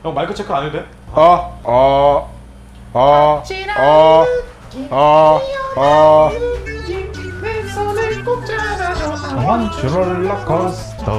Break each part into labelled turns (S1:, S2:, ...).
S1: 형 마이크 체크 안 해도 돼?
S2: 원주 롤러코스터.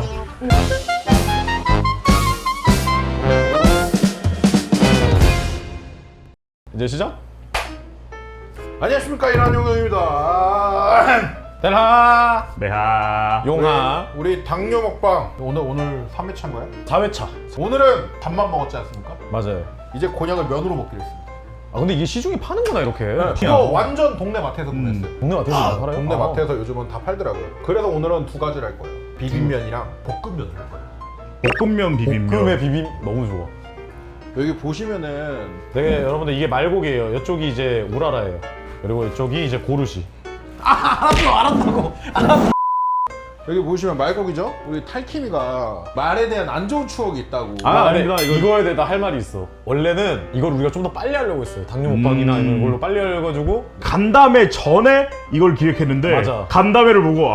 S1: 이제 시작?
S3: 안녕하십니까, 이란용영입니다.
S1: 델하
S2: 메하.
S1: 용하
S3: 우리 당뇨 먹방 오늘 3회차인 거야?
S1: 4회차.
S3: 오늘은 밥만 먹었지 않습니까?
S1: 맞아요.
S3: 이제 곤약을 면으로 먹기로 했습니다.
S1: 아 근데 이게 시중에 파는구나 이렇게.
S3: 이거 완전 동네 마트에서 구매했어요.
S1: 동네 마트에서 팔아요?
S3: 동네
S1: 아.
S3: 마트에서 요즘은 다 팔더라고요. 그래서 오늘은 두 가지를 할 거예요. 비빔면이랑 볶음면을 할 거예요.
S2: 볶음면 비빔면.
S1: 볶음의 비빔 너무 좋아.
S3: 여기 보시면은
S1: 네, 여러분들 이게 말고기예요. 이쪽이 이제 우라라예요. 그리고 이쪽이 이제 고르시. 알았다고.
S3: 여기 보시면 말고기죠? 우리 탈킴이가 말에 대한 안 좋은 추억이 있다고.
S2: 아닙니다.
S1: 이거에 대해 할 말이 있어. 원래는 이걸 우리가 좀 더 빨리 하려고 했어요. 당뇨 먹방이나 아니면 이걸로 빨리 해가지고
S2: 간담회 전에 이걸 기획했는데
S1: 맞아.
S2: 간담회를 보고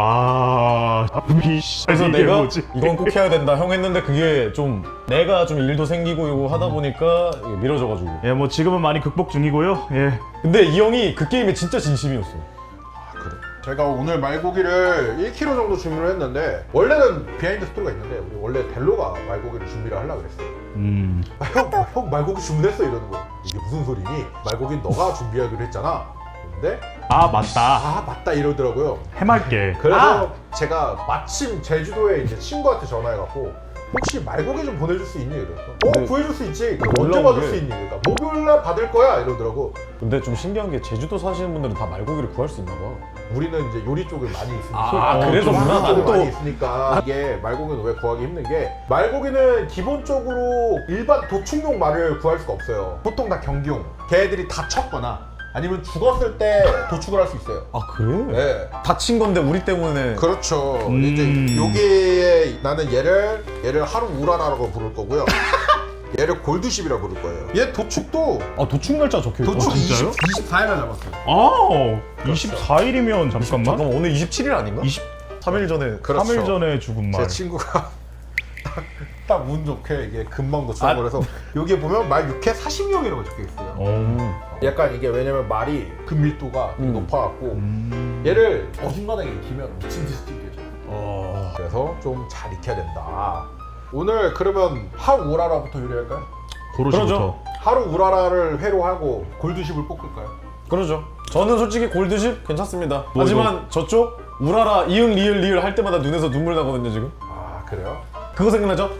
S1: 그래서
S2: 이게
S1: 내가
S2: 뭐지?
S1: 이건 꼭 해야 된다 형 했는데 그게 좀 내가 좀 일도 생기고 이거 하다 보니까 이게 미뤄져가지고.
S2: 예, 뭐 지금은 많이 극복 중이고요. 예.
S1: 근데 이 형이 그 게임에 진짜 진심이었어.
S3: 그래. 제가 오늘 말고기를 1kg 정도 주문을 했는데 원래는 비하인드 스토리가 있는데 우리 원래 델로가 말고기를 준비를 하려고 그랬어요. 형 말고기 주문했어 이러는 거야. 이게 무슨 소리니? 말고기는 너가 준비하기로 했잖아. 근데
S2: 맞다.
S3: 맞다 이러더라고요.
S2: 해맑게.
S3: 그래서 제가 마침 제주도에 이제 친구한테 전화해갖고 혹시 말고기 좀 보내줄 수 있니? 이랬어.
S1: 근데
S3: 구해줄 수 있지. 그럼 언제
S1: 놀라운
S3: 받을
S1: 게-
S3: 수 있니? 그러니까 목요일날 받을 거야 이러더라고.
S1: 근데 좀 신기한 게 제주도 사시는 분들은 다 말고기를 구할 수 있나 봐.
S3: 우리는 이제 요리 쪽을 많이 있으니까.
S1: 그래서
S3: 요리
S1: 문화가
S3: 쪽을
S1: 또
S3: 많이 있으니까 이게 말고기는 왜 구하기 힘든 게 말고기는 기본적으로 일반 도축용 말을 구할 수가 없어요. 보통 다 경기용. 걔들이 다쳤거나 아니면 죽었을 때 도축을 할 수 있어요.
S1: 아 그래?
S3: 네.
S1: 다친 건데 우리 때문에.
S3: 그렇죠. 이제 여기에 나는 얘를 하루 우라라라고 부를 거고요. 얘를 골드십이라고 부를 거예요. 얘 도축도
S1: 아 도축 날짜 적혀 있다.
S3: 도축
S2: 진짜요?
S3: 24일날 잡았어요.
S2: 24일이면 잠깐만.
S1: 잠깐만 오늘 27일 아닌가? 3일 전에.
S3: 그렇죠.
S2: 3일 전에 죽은 말.
S3: 제 친구가 딱 운 좋게 이게 금방 도축을 해서 여기에 보면 말 6회 40명이라고 적혀 있어요. 약간 이게 왜냐면 말이 근밀도가 되게 높아갖고 얘를 어중간하게 익히면 미친 듯이 튀겨져. 그래서 좀 잘 익혀야 된다. 오늘 그러면 하루 우라라부터 요리할까요?
S2: 고르시부터.
S1: 그러죠.
S3: 하루 우라라를 회로 하고 골드십을 볶을까요?
S1: 그러죠. 저는 솔직히 골드십 괜찮습니다. 하지만 저쪽 우라라 이응 리을 리을 할 때마다 눈에서 눈물 나거든요 지금.
S3: 아 그래요?
S1: 그거 생각나죠?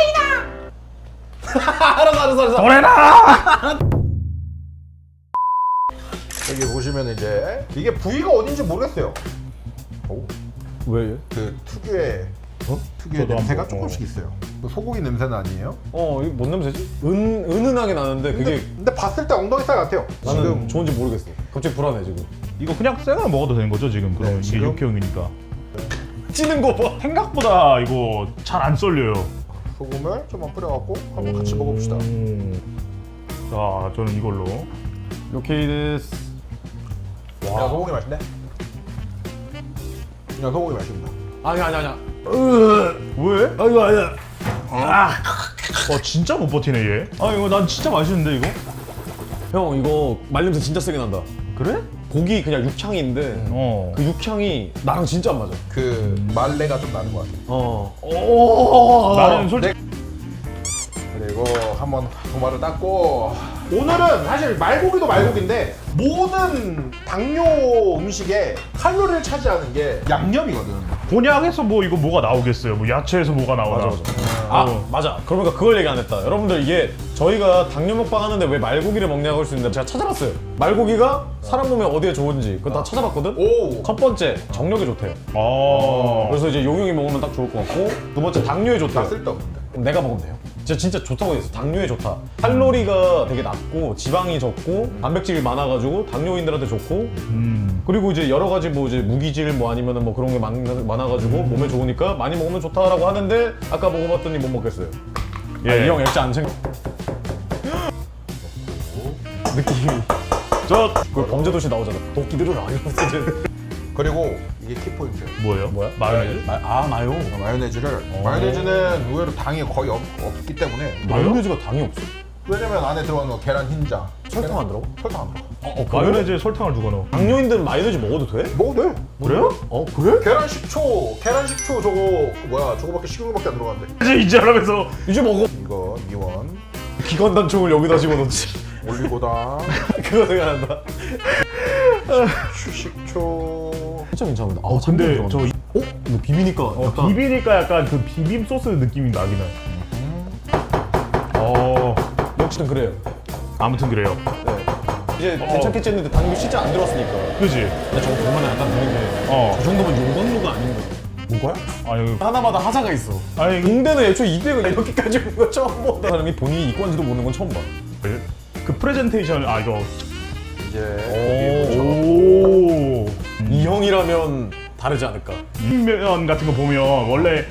S1: 떠레이다. 알았어.
S2: 도레나!
S3: 여기 보시면 이제 이게 부위가 어딘지 모르겠어요. 오,
S1: 왜?
S3: 그 특유의 특유의
S2: 저도
S3: 냄새가
S2: 한번,
S3: 조금씩 있어요. 그 소고기 냄새는 아니에요?
S1: 이거 뭔 냄새지? 은은하게 나는데 그게
S3: 근데 봤을 때 엉덩이 살 같아요.
S1: 나는
S3: 지금
S1: 좋은지 모르겠어. 갑자기 불안해 지금.
S2: 이거 그냥 생으로 먹어도 되는 거죠 지금? 그럼 이게
S3: 지금?
S2: 육회용이니까.
S1: 찌는 거 봐.
S2: 생각보다 이거 잘 안 썰려요.
S3: 소금을 좀만 뿌려갖고 한번 같이 먹어봅시다.
S2: 자, 저는 이걸로.
S1: 오케이 데스.
S3: 야 소고기 맛있네. 그냥 소고기 맛있습니다.
S1: 아니야.
S2: 왜?
S1: 아이고 아니야.
S2: 진짜 못 버티네 얘. 이거 난 진짜 맛있는데 이거?
S1: 형 이거 말냄새 진짜 세게 난다.
S2: 그래?
S1: 고기 그냥 육향인데 그 육향이 나랑 진짜 안 맞아.
S3: 그 말레가 좀 나는 것 같아요.
S2: 나는 솔직히
S3: 그리고 한번 도마를 닦고 오늘은 사실 말고기도 말고기인데 모든 당뇨 음식에 칼로리를 차지하는 게 양념이거든.
S2: 곤약에서 뭐 이거 뭐가 나오겠어요? 뭐 야채에서 뭐가 나오나?
S1: 맞아. 그러니까 그걸 얘기 안 했다. 여러분들 이게 저희가 당뇨 먹방 하는데 왜 말고기를 먹냐고 할 수 있는데 제가 찾아봤어요. 말고기가 사람 몸에 어디에 좋은지 그거 다 찾아봤거든.
S3: 오.
S1: 첫 번째 정력에 좋대요. 그래서 이제 용용이 먹으면 딱 좋을 것 같고 두 번째 당뇨에
S3: 나
S1: 좋대요.
S3: 쓸데없는데.
S1: 그럼 내가 먹으면 돼요. 진짜 좋다고 했어. 당뇨에 좋다. 칼로리가 되게 낮고 지방이 적고 단백질이 많아가지고 당뇨인들한테 좋고 그리고 이제 여러 가지 뭐 이제 무기질 뭐 아니면은 뭐 그런 게 많아가지고 몸에 좋으니까 많이 먹으면 좋다라고 하는데 아까 먹어봤더니 못 먹겠어요.
S2: 예.
S1: 이 형 액자 안 챙겨. 느낌이.
S2: 저
S1: 그 범죄도시 나오잖아. 도끼들을 안 이러면서 이제.
S3: 그리고 이게 키포인트예요.
S2: 뭐예요?
S1: 뭐야?
S2: 마요네즈?
S1: 마요.
S3: 마요네즈는 의외로 당이 거의 없기 때문에
S1: 마요네즈가 당이 없어?
S3: 왜냐면 안에 들어가는 거 계란 흰자
S1: 설탕 안 들어가?
S3: 설탕 안 들어가.
S2: 마요네즈에 설탕을 누가 넣어?
S1: 당뇨인들은 마요네즈 먹어도 돼?
S3: 먹어도 돼.
S2: 그래요?
S1: 그래?
S3: 계란 식초 저거 저거밖에 식용유밖에 안 들어간대.
S2: 이제 하면서
S1: 이제 먹어.
S3: 이거 미원
S1: 기관단총을 여기다 집어넣지.
S3: 올리고당
S1: 그거 생각난다.
S3: 식초.
S1: 진짜 괜찮은데.
S2: 근데 저
S1: 근데 비비니까 약간
S2: 비비니까 약간 그 비빔 소스 느낌이 나긴 해.
S1: 역시는 그래요.
S2: 아무튼 그래요.
S1: 네. 이제 괜찮겠지 했는데 당뇨 진짜 안 들어왔으니까.
S2: 그지?
S1: 근데 저 보면 약간 드는 게 저 정도면 용광로가 아닌 거. 뭐가요?
S2: 아니
S1: 하나마다 하자가 있어.
S2: 아니
S1: 공대는 애초에 이때가 이렇게까지 온 거 처음 본다. 사람이 본인이 이과인지도 모르는 건 처음 봐.
S2: 그 프레젠테이션 이거
S3: 이제
S2: 오
S1: 이 형이라면 다르지 않을까.
S2: 면 같은 거 보면 원래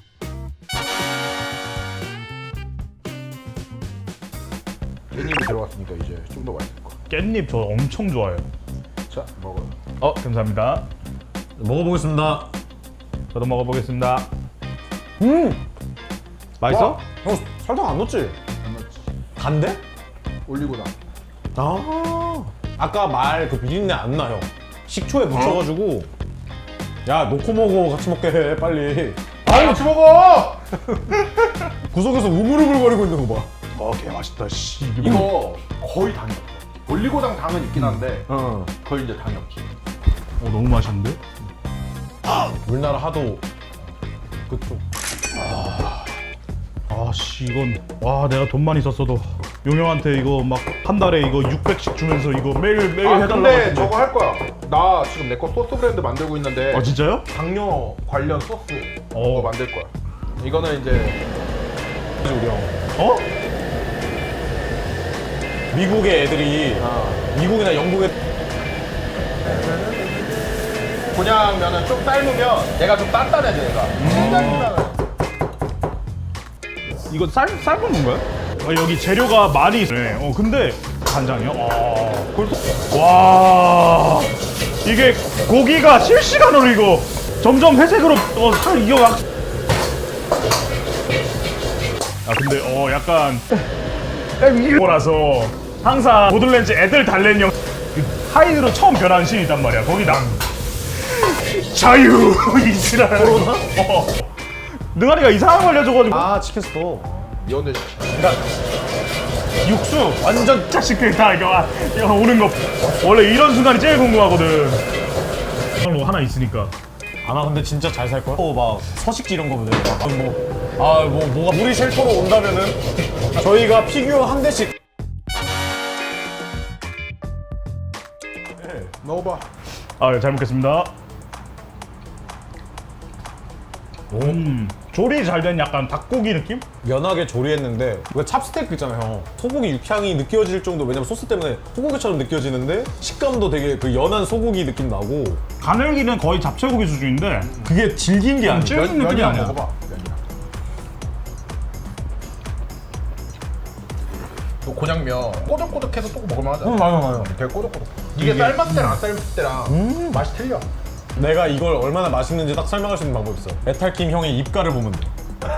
S3: 깻잎이 들어갔으니까 이제 좀 더 맛있을 거야.
S2: 깻잎 저 엄청 좋아해요.
S3: 자 먹어요.
S2: 감사합니다.
S1: 먹어보겠습니다.
S2: 저도 먹어보겠습니다.
S1: 맛있어? 형 설탕 안 넣었지?
S3: 안 넣었지.
S1: 단데?
S3: 올리고당.
S1: 아까 말 그 비린내 안 나, 형. 식초에 묻혀가지고 야 놓고 먹어. 같이 먹게 해 빨리.
S3: 같이 먹어.
S1: 구석에서 우물우물거리고 있는 거 봐.
S2: 개 맛있다. 씨.
S3: 이거 거의 당이 없어. 올리고당 당은 있긴 한데
S1: 응.
S3: 거의 이제 당이 없지.
S2: 너무 맛있는데?
S1: 우리나라 하도 그쪽.
S2: 아씨 이건 내가 돈만 있었어도 용영한테 이거 막 한 달에 이거 600씩 주면서 이거 매일 해달라고
S3: 근데
S2: 했는데.
S3: 저거 할 거야. 나 지금 내 거 소스 브랜드 만들고 있는데
S2: 진짜요?
S3: 당뇨 관련 소스
S2: 어.
S3: 그거 만들 거야. 이거는 이제
S1: 우리 형. 미국의 애들이 미국이나 영국의
S3: 곤약 면은 좀 삶으면 얘가 좀 단단해져 얘가.
S2: 이거 삶은 건가요? 여기 재료가 많이 있네. 근데 간장이요? 와 이게 고기가 실시간으로 이거 점점 회색으로 이거 막. 근데 약간 이거라서 항상 보들렌즈 애들 달랜형 그 하이드로 처음 변한 신이 있단 말이야. 거기다 자유 이지랄. 코로나? 능아리가 이상한 거 알려줘가지고
S1: 치킨 스톡.
S3: 미원대
S2: 육수 완전 자식들 다 이거 오는 거 원래 이런 순간이 제일 궁금하거든. 뭐 하나 있으니까.
S1: 나 근데 진짜 잘 살 거야. 막 서식지 이런 거보다 뭐가 우리 쉘터로 온다면은 저희가 피규어 한 대씩.
S3: 넣어봐.
S2: 잘 먹겠습니다. 조리 잘 된 약간 닭고기 느낌?
S1: 연하게 조리했는데 왜 찹스테이크 있잖아요, 형. 소고기 육향이 느껴질 정도. 왜냐면 소스 때문에 소고기처럼 느껴지는데 식감도 되게 그 연한 소고기 느낌 나고.
S2: 가늘기는 거의 잡채고기 수준인데
S1: 그게 질긴 게 아니야.
S2: 질긴 느낌이 아니야.
S3: 먹어봐. 면이랑. 또 곤약면 꼬득꼬득해서 또 먹을만 하잖아.
S1: 맞아.
S3: 되게 꼬득꼬득. 이게 삶았을 때랑 안 삶았을 때랑 맛이 틀려.
S1: 내가 이걸 얼마나 맛있는지 딱 설명할 수 있는 방법이 있어. 메탈킴 형의 입가를 보면 돼.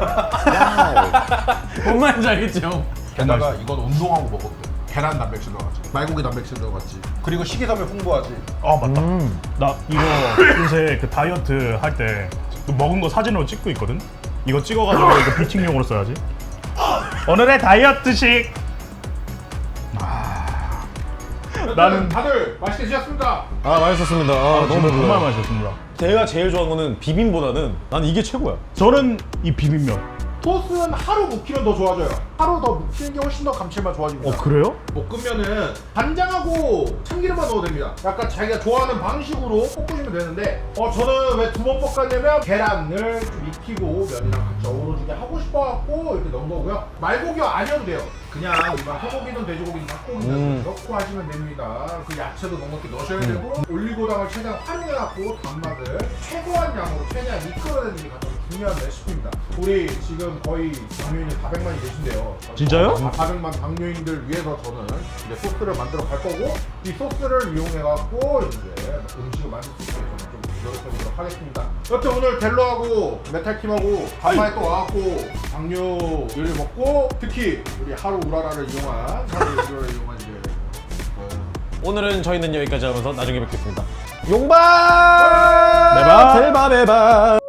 S1: 뭔 말인지 알겠지, 형?
S3: 게다가 이건 운동하고 먹어도 돼. 계란 단백질 들어갔지. 말고기 단백질 들어갔지. 그리고 식이섬유 풍부하지.
S2: 맞다. 나 이거 요새 그 다이어트 할 때 먹은 거 사진으로 찍고 있거든? 이거 찍어가지고 이거 뷰팅용으로 써야지. 오늘의 다이어트식. 나는
S3: 다들 맛있게 드셨습니까?
S1: 맛있었습니다. 너무
S2: 정말
S1: 배불러요.
S2: 맛있었습니다.
S1: 제가 제일 좋아하는 거는 비빔보다는 난 이게 최고야.
S2: 저는 이 비빔면.
S3: 소스는 하루 묵히면 더 좋아져요. 하루 더 묵히는 게 훨씬 더 감칠맛 좋아집니다.
S2: 그래요?
S3: 볶으면은 간장하고 참기름만 넣어도 됩니다. 약간 자기가 좋아하는 방식으로 볶으시면 되는데 저는 왜 두 번 볶았냐면 계란을 좀 익히고 면이랑 같이 어우러지게 하고 싶어갖고 이렇게 넣은 거고요. 말고기가 아니어도 돼요. 그냥 일반 소고기든 돼지고기든 닭고기든 넣고 하시면 됩니다. 그 야채도 넉넉히 넣으셔야 되고 올리고당을 최대한 활용해갖고 단맛을 최고한 양으로 최대한 이끌어내는 게 가장 중요한 레시피입니다. 우리 지금 거의 당뇨인이 400만이 계신데요.
S2: 진짜요?
S3: 400만 당뇨인들 위해서 저는 이제 소스를 만들어 갈 거고 이 소스를 이용해갖고 이제 음식을 만들 수 있게 저는 좀 노력해보도록 하겠습니다. 여튼 오늘 델로하고 메탈팀하고 간만에 또 와갖고 당뇨를 먹고 특히 우리 하루 우라라를 이용한 이제
S1: 오늘은 저희는 여기까지 하면서 나중에 뵙겠습니다. 용발!
S2: 매발!
S1: 델바 매발!